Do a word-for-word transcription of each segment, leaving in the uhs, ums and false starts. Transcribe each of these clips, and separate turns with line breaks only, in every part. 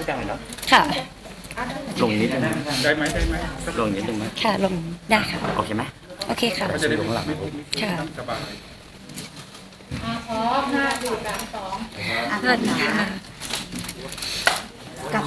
ไม่ดังเลยเนาะ
ค่ะ
ลงนิดนึง
ได้ไหมได้ไหม
ลงนิดนึงไหม
ค่ะลงได้ค่ะ
โอเคไหม
โอเคค่ะ
ก็จะได้ลงหลัง
ค่ะ
สบาย
พร้อมห้าสี่สามสอง
สวัสดีค่ะกับ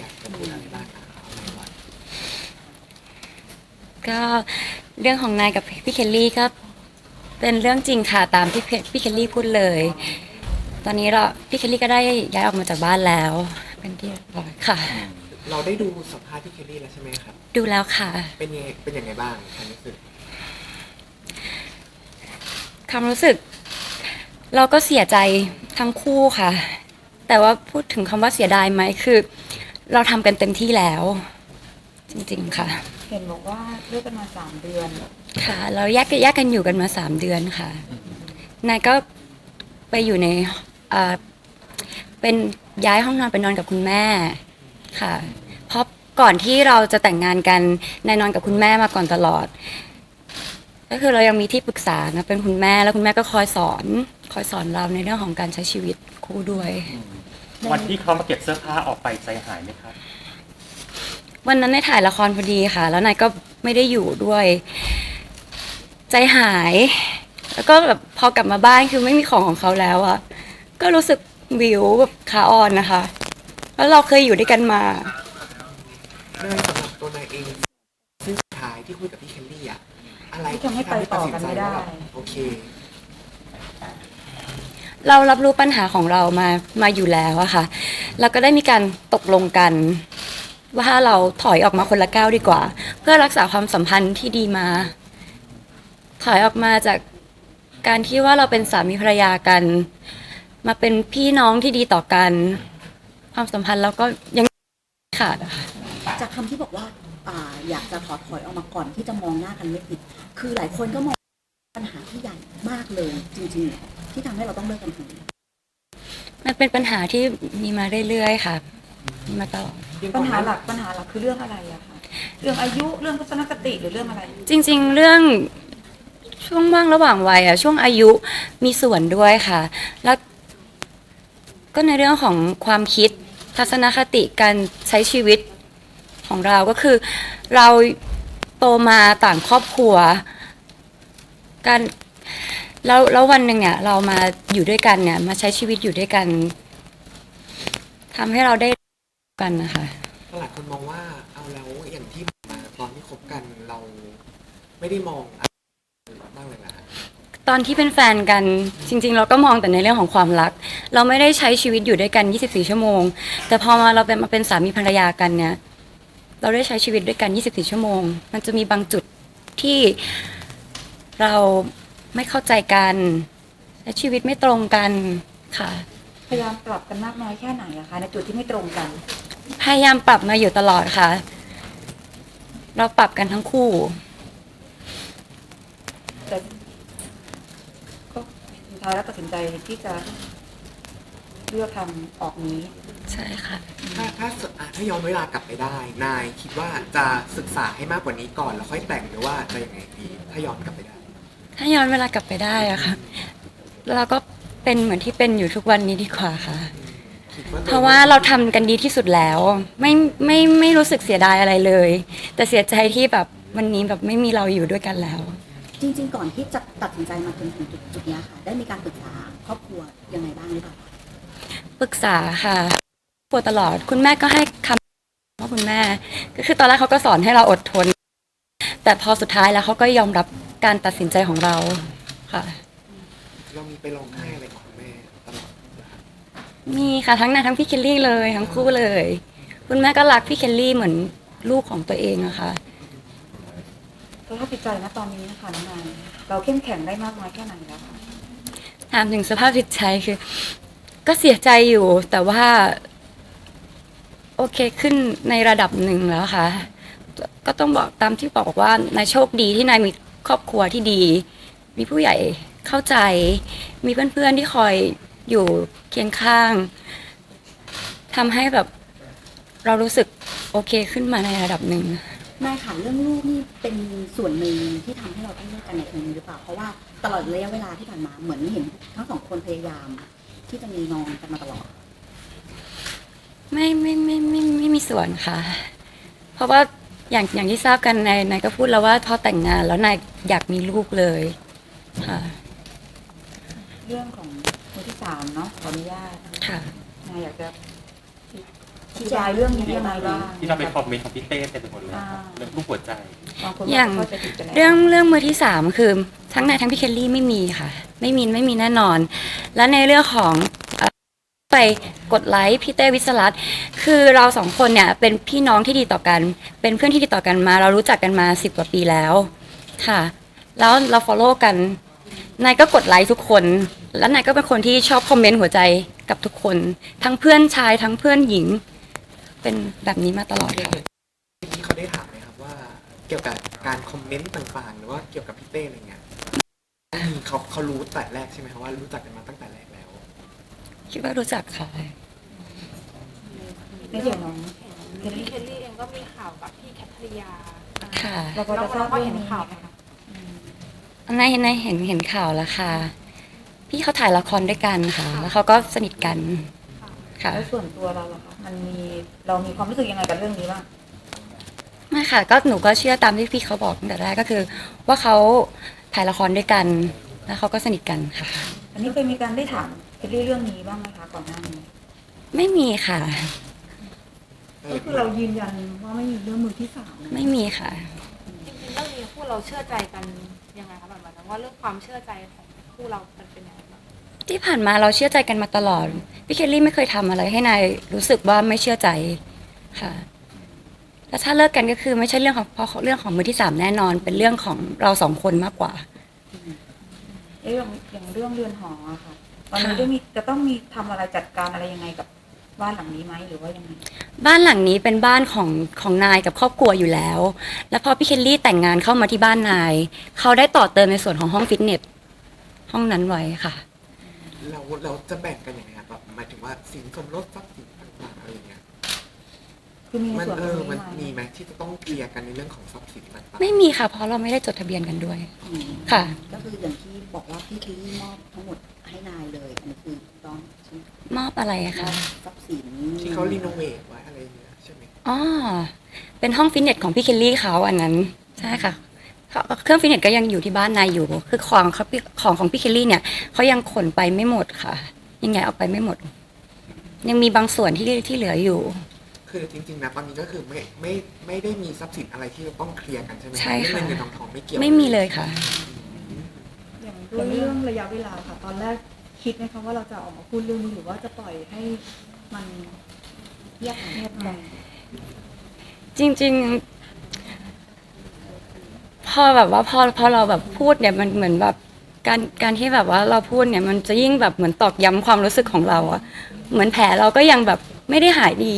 ก็เรื่องของนายกับพี่เคลลี่ก็เป็นเรื่องจริงค่ะตามที่พี่เคลลี่พูดเลย ตอนนี้เราพี่เคลลี่ก็ได้ย้ายออกมาจากบ้านแล้วเป็นที่เรียบร้อยค่ะ
เราได้ดูสัมภาษณ์พี่เคลลี่แล้วใช่ไหมครับ
ดูแล้วค่ะ
เป็นยังเป็นยังไงบ้างความรู้สึก
ความรู้สึก เราก็เสียใจทั้งคู่ค่ะ แต่ว่าพูดถึงคำว่าเสียดายไหมคือเราทำกันเต็มที่แล้ว จริงๆค่ะ
เห็นบอกว่าเลิกกันมาสามเดือน
ค่ะเราแยกแยกกันอยู่กันมาสามเดือนค่ะนายก็ไปอยู่ในอ่าเป็นย้ายห้องนอนไปนอนกับคุณแม่ค่ะ เพราะก่อนที่เราจะแต่งงานกันนายนอนกับคุณแม่มาก่อนตลอด ก็คือเรายังมีที่ปรึกษานะเป็นคุณแม่แล้วคุณแม่ก็คอยสอนคอยสอนเราในเรื่องของการใช้ชีวิตคู่ด้วย
วันที่เขามาเก็บเสื้อผ้าออกไปใจหายไหมครับ
วันนั้นในถ่ายละครพอดีค่ะแล้วนายก็ไม่ได้อยู่ด้วยใจหายแล้วก็แบบพอกลับมาบ้านคือไม่มีของของเขาแล้วอะก็รู้สึกวิวแบบขาอ่อนนะคะแล้วเราเคยอยู่ด้วยกันมา
เนยสำหรับตัวนายเองซึ่งสุดท้ายที่คุยกับพี่เคลลี่อะอะไร
ที่ทำให้ไปต่อกันไม่ได้
โอเค
เรารับรู้ปัญหาของเรามามาอยู่แล้วอะค่ะแล้วก็ได้มีการตกลงกันว่าเราถอยออกมาคนละก้าวดีกว่าเพื่อรักษาความสัมพันธ์ที่ดีมาถอยออกมาจากการที่ว่าเราเป็นสามีภรรยากันมาเป็นพี่น้องที่ดีต่อกันความสัมพันธ์เราก็ยังขาดอะค่ะ
จากคำที่บอกว่าอ่าอยากจะถอดถอยออกมาก่อนที่จะมองหน้ากันไม่ติดคือหลายคนก็มองปัญหาที่ใหญ่มากเลยจริงๆที่ทำให้เราต้องเลิกกันถึง
มันเป็นปัญหาที่มีมาเรื่อยๆค่ะมีมาตลอด
ปัญหาหลักปัญหาหลักคือเรื่องอะไรอะคะเรื่องอายุเรื่องทัศนคติหรือเรื่องอะไร
จริงๆเรื่องช่วงว่างระหว่างวัยอะช่วงอายุมีส่วนด้วยค่ะแล้วก็ในเรื่องของความคิดทัศนคติการใช้ชีวิตของเราก็คือเราโตมาต่างครอบครัวการแล้วแล้ววันหนึ่งเนี่ยเรามาอยู่ด้วยกันเนี่ยมาใช้ชีวิตอยู่ด้วยกันทำให้เราได้กันนะคะ
หลายคนมองว่าเอาแล้วอย่างที่มาตอนที่คบกันเราไม่ได้มองอะไรบ้างเลยนะ
ตอนที่เป็นแฟนกันจริงๆเราก็มองแต่ในเรื่องของความรักเราไม่ได้ใช้ชีวิตอยู่ด้วยกันยี่สิบสี่ชั่วโมงแต่พอมาเราเป็นมาเป็นสามีภรรยากันเนี่ยเราได้ใช้ชีวิตด้วยกันยี่สิบสี่ชั่วโมงมันจะมีบางจุดที่เราไม่เข้าใจกันและชีวิตไม่ตรงกันค่ะ
พยายามปรับกันมากน้อยแค่ไหนอะคะในจุดที่ไม่ตรงกัน
พยายามปรับมาอยู่ตลอดค่ะเราปรับกันทั้งคู่
แต่ก็สุดท้ายแล้วตัดสินใจที่จะเลือกทำออกนี้
ใช่ค่ะ
ถ้าถ้าถ้าย้อนเวลากลับไปได้นายคิดว่าจะศึกษาให้มากกว่านี้ก่อนแล้วค่อยแต่งหรือว่าจะยังไงดีถ้าย้อนกลับไปได้
ถ้าย้อนเวลากลับไปได้อะค่ะเราก็เป็นเหมือนที่เป็นอยู่ทุกวันนี้ดีกว่าค่ะเพราะว่าเราทำกันดีที่สุดแล้วไม่ไม่ไม่รู้สึกเสียดายอะไรเลยแต่เสียใจที่แบบวันนี้แบบไม่มีเราอยู่ด้วยกันแล้ว
จริงๆก่อนที่จะตัดสินใจมาถึงถึงจุดนี้ค่ะได้มีการปรึกษาครอบครัวยังไงบ้างหรือเปล่า
ปรึกษาค่ะปวดตลอดคุณแม่ก็ให้คำว่าคุณแม่ก็คือตอนแรกเขาก็สอนให้เราอดทนแต่พอสุดท้ายแล้วเขาก็ยอมรับการตัดสินใจของเราค่ะ
เรามีไปร้องไห้อะไรกับคุณแม่ตลอด
มีค่ะทั้งนายทั้งพี่เคลลี่เลยทั้งคู่เลยคุณแม่ก็รักพี่เคลลี่เหมือนลูกของตัวเองอะค่ะ
สภาพจิตใจนะตอนนี้นะคะน้องนายเราเข้มแข็งได้มากน้อยแค่ไหนแล้วคะ
ถามถึงสภาพจิตใจคือก็เสียใจอยู่แต่ว่าโอเคขึ้นในระดับหนึ่งแล้วค่ะก็ต้องบอกตามที่บอกว่านายโชคดีที่นายมีครอบครัวที่ดีมีผู้ใหญ่เข้าใจมีเพื่อนๆที่คอยอยู่เคียงข้างทำให้แบบเรารู้สึกโอเคขึ้นมาในระดับหนึ่ง
นายค่ะเรื่องลูกนี่เป็นส่วนหนึ่งที่ทำให้เราต้องเลิกกันในครั้งนี้หรือเปล่าเพราะว่าตลอดระยะเวลาที่ผ่านมาเหมือนเห็นทั้งสองคนพยายามที่จะมีน้องกันมาตลอด
ไม่ไม่ไม่ไม่ไม่ไม่มีส่วนค่ะ เพราะว่าอย่างอย่างที่ทราบกันนายนายก็พูดแล้วว่าพอแต่งงานแล้วนายอยากมีลูกเลยค่ะ
เรื่องของมือที่สามเนาะขออนุญาต
ค่ะ
นายอยากจะชี้แจงเรื่องนี้ยังไงบ้าง
ที่เราไปคอมเมนต์ของพี่เต้เต็มไปหมดเลย
อ่า
เรื่องรูปหัวใจ
บางคน
อย่าง
เข้าใจผิดไปแล้ว
เรื่องเรื่องมือที่สามคือทั้งนายทั้งพี่เคลลี่ไม่มีค่ะ ไม่มีไม่มีแน่นอน และในเรื่องของเอ่อไปกดไลค์พี่เต้วิศรัตน์คือเราสองคนเนี่ยเป็นพี่น้องที่ดีต่อกัน เป็นเพื่อนที่ดีต่อกันมา เรารู้จักกันมาสิบกว่าปีแล้วค่ะ แล้วเรา follow กันนายก็กดไลค์ทุกคน แล้วนายก็เป็นคนที่ชอบคอมเมนต์หัวใจกับทุกคน ทั้งเพื่อนชายทั้งเพื่อนหญิง เป็นแบบนี้มาตลอดค่ะ
ที่เขาได้ถามไหมครับว่าเกี่ยวกับการคอมเมนต์ต่างๆ หรือว่าเกี่ยวกับพี่เต้อะไรเงี้ยมีเขาเขารู้แต่แรกใช่ไหมครับว่ารู้จักกันมาตั้งแต่แรกแล้ว
คิดว่ารู้จักค่ะ
ในส่วนของ
เคลลี่เคลลี่เองก็มีข่าวกับพี่แคทริยา
ค่ะ
เราพอ
เรา
จะทราบ
ก็
เรื่อ
เห็
ง
น
นี้
ข่าว
ไห
ไห
ม
ม
คะ
คะ
ในในเห็นเห็นข่าวแล้วค่ะ พี่เขาถ่ายละครด้วยกันค่ะ แล้วเขาก็สนิทกันค่ะ
แล้วส่วนตัวเราล่ะคะมันมีเรามีความรู้สึกยังไงกับเรื่องนี้บ้าง
ไม่ค่ะ ก็หนูก็เชื่อตามที่พี่เขาบอกตั้งแต่แรกก็คือ ว่าเขาถ่ายละครด้วยกัน แล้วเขาก็สนิทกันค่ะ
อันนี้เคยมีการได้ถามเคลลี่เรื่องนี้บ้างไหมคะก่อนหน้านี้
ไม่มีค่ะ
ก็คือเรายืนยันว่าไม่มีเรื่องมือที่สามนะ
ไม่มีค่ะ
จริงๆเรื่องนี้คู่เราเชื่อใจกันยังไงคะแบบนั้นว่าเรื่องความเชื่อใจของคู่เรามันเป็นยังไงบ้าง
ที่ผ่านมาเราเชื่อใจกันมาตลอด พี่เคลลี่ไม่เคยทำอะไรให้นายรู้สึกว่าไม่เชื่อใจค่ะ แล้วถ้าเลิกกันก็คือไม่ใช่เรื่องของเพราะเรื่องของมือที่สามแน่นอน เป็นเรื่องของเราสองคนมากกว่า
เอ๊ะอย่างอย่างเรื่องเรือนหออะค่ะตอนนี้
ค่ะ
ได้มีจะต้องมีทำอะไรจัดการอะไรยังไงกับบ้านหลังนี้ไหมหรือว่ายังไง
บ้านหลังนี้เป็นบ้านของของนายกับครอบครัวอยู่แล้ว แล้วพอพี่เคลลี่แต่งงานเข้ามาที่บ้านนาย เขาได้ต่อเติมในส่วนของห้องฟิตเนสห้องนั้นไว้ค่ะ
เราเราจะแบ่งกันยังไงครับแบบหมายถึงว่าสินสมรสทรัพย์สินต่างๆอะไรอย่างเงี้ย
คือมีใน
มัน
ส่วน
เอ
ตร
อง มัน
นี้ไหม
มีไหมที่จะต้องเคลียร์กันในเรื่องของทรัพย์สินต่างๆ
ไม่มีค่ะ เพราะเราไม่ได้จดทะเบียนกันด้วย
อืม
ค่ะ
ก็คืออย่างที่บอกว่าพี่เคลลี่มอบทั้งหมดให้นายเลย อันนี้คือต้องใช่ไหม
มอบอะไรอะ
มอ
คะ
บทรัพย์สิน
ที่เขารีโนเวทไว้อะไรอย่างเงี้ยใช่ไหม
อ๋อเป็นห้องฟิตเนสของพี่เคลลี่เขาอันนั้นใช่ค่ะเขาเครื่องฟิตเนสก็ยังอยู่ที่บ้านนายอยู่ คือของเขาของของพี่เคลลี่เนี่ยเขายังขนไปไม่หมดค่ะ ยังไงเอาไปไม่หมด ยังมีบางส่วนที่ที่เหลืออยู่
คือจริงๆนะตอนนี้ก็คือไม่ไม่ไม่ได้มีทรัพย์สินอะไรที่จะต้องเคลียร์กันใช่ไหม
ใช่ค่ะ
เรื่องเงินทองทองไม่เกี่ยว
ไม่มีเลยค่ะ
อย่างด้วยเรื่องระยะเวลาค่ะ ตอนแรกคิดไหมคะว่าเราจะออกมาพูดเรื่องนี้หรือว่าจะปล่อยให้มันเงียบเงียบไป
จริงๆ พอแบบว่าพอพอเราแบบพูดเนี่ยมันเหมือนแบบการการที่แบบว่าเราพูดเนี่ยมันจะยิ่งแบบเหมือนตอกย้ำความรู้สึกของเราอะเหมือนแผลเราก็ยังแบบไม่ได้หายดี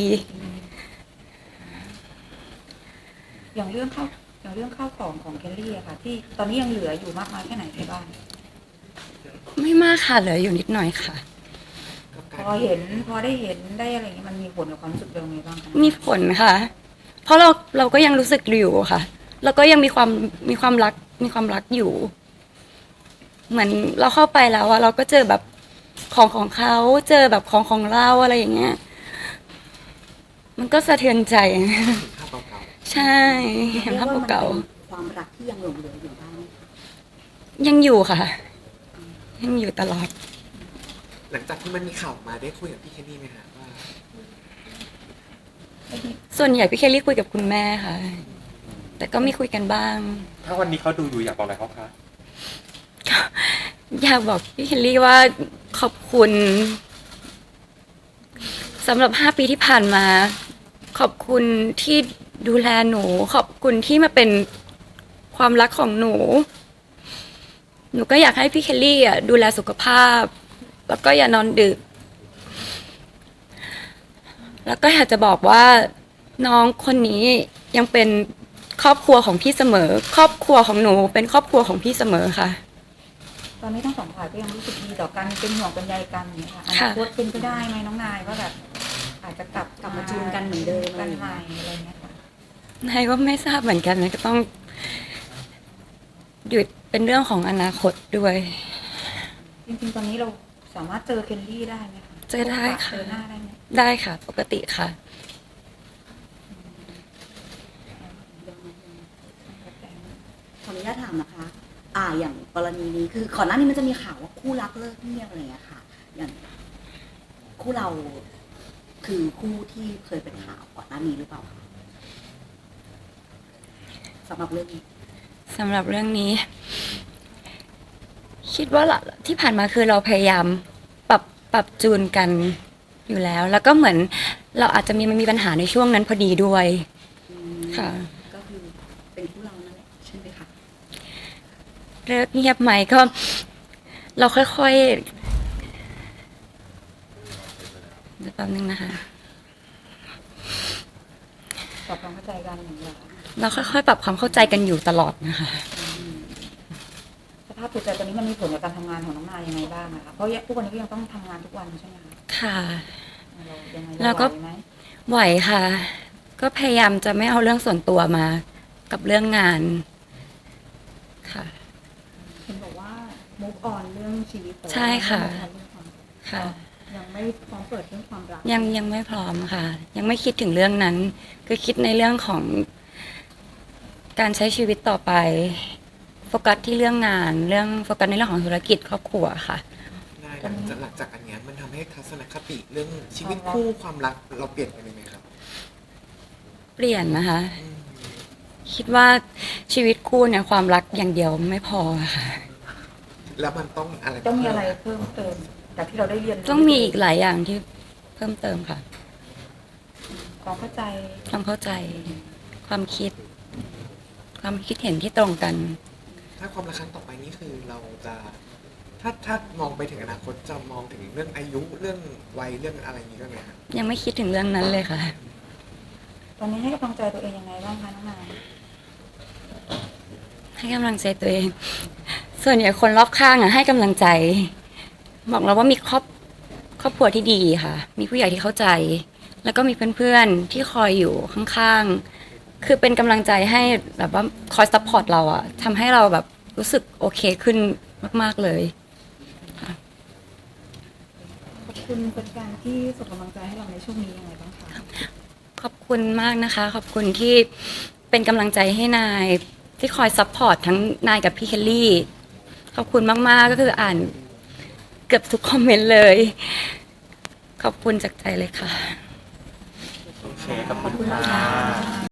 อย่างเรื่องข้าวอย่างเรื่องข้าวของของเคลลี่อะค่ะ ที่ตอนนี้ยังเหลืออยู่มากน้อยแค่ไหนในบ้าน
ไม่มากค่ะเหลืออยู่นิดหน่อยค่ะ
กับ
พ
การ
อเห็นพอได้เห็นได้อะไรอย่างนี้มันมีผลกับความรู้สึกเราไงบ้างคะ
มีผลค่ะ เพราะเราเราก็ยังรู้สึกอยู่ค่ะ แล้วก็ยังมีความมีความรักมีความรักอยู่ เหมือนเราเข้าไปแล้วอะเราก็เจอแบบของของเขาเจอแบบของของเราอะไรอย่างเงี้ย มันก็สะเทือนใจ
ภาพเก่า
ใช่เห็นภาพเก่า
รียว่มันเป็นความรักที่ยังหลงเหลืออยู่บ้างไหมคะ
ๆยังอยู่ค่ะ ยังอยู่ตลอด
ๆหลังจากที่มันมีข่าวมาได้คุยกับพี่แคนนี่ไหมฮะว่า
ส่วนใหญ่พี่เคลลี่คุยกับคุณแม่ค่ะ แต่ก็มีคุยกันบ้าง
ถ้าวันนี้เขาดูอยู่อยากบอกอะไรเขาคะ
อยากบอกพี่เคลลี่ว่าขอบคุณสำหรับห้าปีที่ผ่านมา ขอบคุณที่ดูแลหนู ขอบคุณที่มาเป็นความรักของหนู หนูก็อยากให้พี่เคลลี่อ่ะดูแลสุขภาพ แล้วก็อย่านอนดึก แล้วก็อยากจะบอกว่าน้องคนนี้ยังเป็นครอบครัวของพี่เสมอ ครอบครัวของหนูเป็นครอบครัวของพี่เสมอค่ะ
ตอนนี้ทั้งสองฝ่ายก็ยังรู้สึกดีต่อกันเป็นห่วงเป็นใยกันอย่างนี้ยค่ะอ
ค่ะ
นาคตเป็นไปได้ไหมน้องนายว่าแบบ อาจจะกลับ
กลับมาจูนกันเหมือนเดิม
กันใหม่อะไรเงี้ยค่ะ
นายก็ไม่ทราบเหมือนกันนะก็ต้องหยุดเป็นเรื่องของอนาคตด้วย
จริงๆตอนนี้เราสามารถเจอเคลลี่ได้ไหมคะ
เจอได้ค่ะ
เจอหน้าได้ไหม
ได้ค่ะ ปกติค่ะ
ขออนุญาตถามนะคะ อ่า อย่างกรณีนี้คือก่อนหน้านี้มันจะมีข่าวว่าคู่รักเลิกเงียบอะไรอย่างเงี้ยค่ะ อย่างคู่เราคือคู่ที่เคยเป็นข่าวก่อนหน้านี้หรือเปล่าคะสำหรับเรื่องนี้
สำหรับเรื่องนี้ คิดว่าละที่ผ่านมาคือเราพยายามปรับปรับจูนกันอยู่แล้ว แล้วก็เหมือนเราอาจจะมีมันมีปัญหาในช่วงนั้นพอดีด้วย
อืม
ค่ะ
ก็คือเป็นคู่เรานั่นแหละใช่ไหมคะ
เลิกเงียบไหมก็ เราค่อยๆเดี๋ยวแป๊บนึงนะคะ
ปรับความเข้าใจกันอย่างเงี้ยค่ะ
เราค่อยๆ ปรับความเข้าใจกันอยู่ตลอดนะคะ
สภาพจิตใจตอนนี้มันมีผลกับการทำงานของน้องนายยังไงบ้างอะคะเพราะทุกวันนี้ก็ยังต้องทำงานทุกวันใช่ไหมคะ
ค่ะ
เรายังไง
แล้วก็
ไหวไหม
ไหวค่ะ ก็พยายามจะไม่เอาเรื่องส่วนตัวมากับเรื่องงาน ค่ะ
เห็นบอกว่า move on เรื่องชีวิตแต่ว่า
ใช่ค่ะ
ไม่ move on เรื่องความ
ค่ะ
ยังไม่พร้อมเปิดเรื่องความรัก
ยังยังไม่พร้อมค่ะ ยังไม่คิดถึงเรื่องนั้น คือคิดในเรื่องของการใช้ชีวิตต่อไป โฟกัสที่เรื่องงาน เรื่องโฟกัสในเรื่องของธุรกิจครอบครัวค่ะ
ได้หลังจากหลังจากอันเนี้ยมันทำให้ทัศนคติเรื่องชีวิตคู่ความรักเราเปลี่ยนไปเลยไหมครับ
เปลี่ยนนะคะ
อืม
คิดว่าชีวิตคู่เนี่ยความรักอย่างเดียวไม่พอค่ะ
แล้วมันต้องอะไร
ต้องมีอะไรเพิ่มเติมจากที่เราได้เรียนรู้
ต้องมีอีกหลายอย่างที่เพิ่มเติมค่ะ
ความเข้าใจ
ความเข้าใจ ความคิด ความคิดเห็นที่ตรงกัน
ถ้าความรักครั้งต่อไปนี่คือเราจะ ถ้าถ้ามองไปถึงอนาคตจะมองถึงเรื่องอายุเรื่องวัยเรื่องอะไรอย่างนี้ด้วยไหมครับ
ยังไม่คิดถึงเรื่องนั้นเลยค่ะ
ตอนนี้ให้กำลังใจตัวเองยังไงบ้างคะน้องนาย
ให้กำลังใจตัวเอง ส่วนใหญ่คนรอบข้างอ่ะให้กำลังใจ บอกเราว่ามีครอบครอบครัวที่ดีค่ะ มีผู้ใหญ่ที่เข้าใจ แล้วก็มีเพื่อนๆที่คอยอยู่ข้างๆ คือเป็นกำลังใจให้แบบว่าคอยซัพพอร์ตเราอะทำให้เราแบบรู้สึกโอเคขึ้นมากๆเลย
ขอบคุณเป็นการที่ส่งกำลังใจให้เราในช่วงนี้ยังไงบ้างคะ
ขอบคุณมากนะคะ ขอบคุณที่เป็นกำลังใจให้นาย ที่คอยซัพพอร์ตทั้งนายกับพี่เคลลี่ ขอบคุณมากๆก็คืออ่านเกือบทุกคอมเมนต์เลย ขอบคุณจากใจเลยค่ะ
โอเคขอบคุณค่ะ